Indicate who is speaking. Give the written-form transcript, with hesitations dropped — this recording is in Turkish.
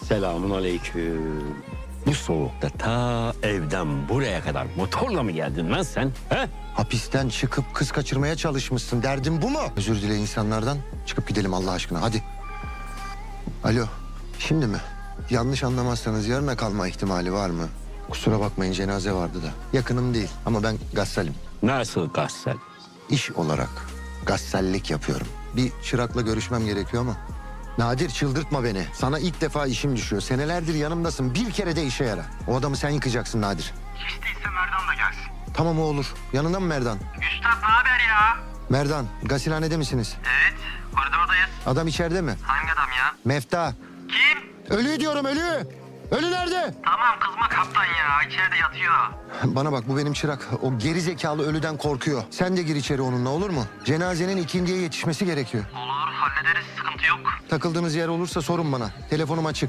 Speaker 1: Selamun aleyküm. Bu soğukta ta evden buraya kadar motorla mı geldin lan sen? He?
Speaker 2: Hapisten çıkıp kız kaçırmaya çalışmışsın. Derdin bu mu? Özür dile insanlardan. Çıkıp gidelim Allah aşkına hadi. Alo. Şimdi mi? Yanlış anlamazsanız yarına kalma ihtimali var mı? Kusura bakmayın cenaze vardı da. Yakınım değil ama ben gassalim.
Speaker 1: Nasıl gassel?
Speaker 2: İş olarak gassallik yapıyorum. Bir çırakla görüşmem gerekiyor ama. Nadir çıldırtma beni. Sana ilk defa işim düşüyor. Senelerdir yanımdasın. Bir kere de işe yara. O adamı sen yıkacaksın Nadir.
Speaker 3: Hiç değilse Merdan da gelsin.
Speaker 2: Tamam o olur. Yanında mı Merdan?
Speaker 3: Üstad ne haber ya?
Speaker 2: Merdan, gasilhanede misiniz?
Speaker 3: Evet, koridordayız.
Speaker 2: Adam içeride mi?
Speaker 3: Hangi adam ya?
Speaker 2: Mefta.
Speaker 3: Kim?
Speaker 2: Ölü diyorum ölü. Ölü nerede?
Speaker 3: Tamam kızma kaptan ya, içeride yatıyor.
Speaker 2: Bana bak bu benim çırak. O geri zekalı ölüden korkuyor. Sen de gir içeri onunla olur mu? Cenazenin ikindiye yetişmesi gerekiyor.
Speaker 3: Olur, hallederiz, sıkıntı yok.
Speaker 2: Takıldığınız yer olursa sorun bana. Telefonum açık.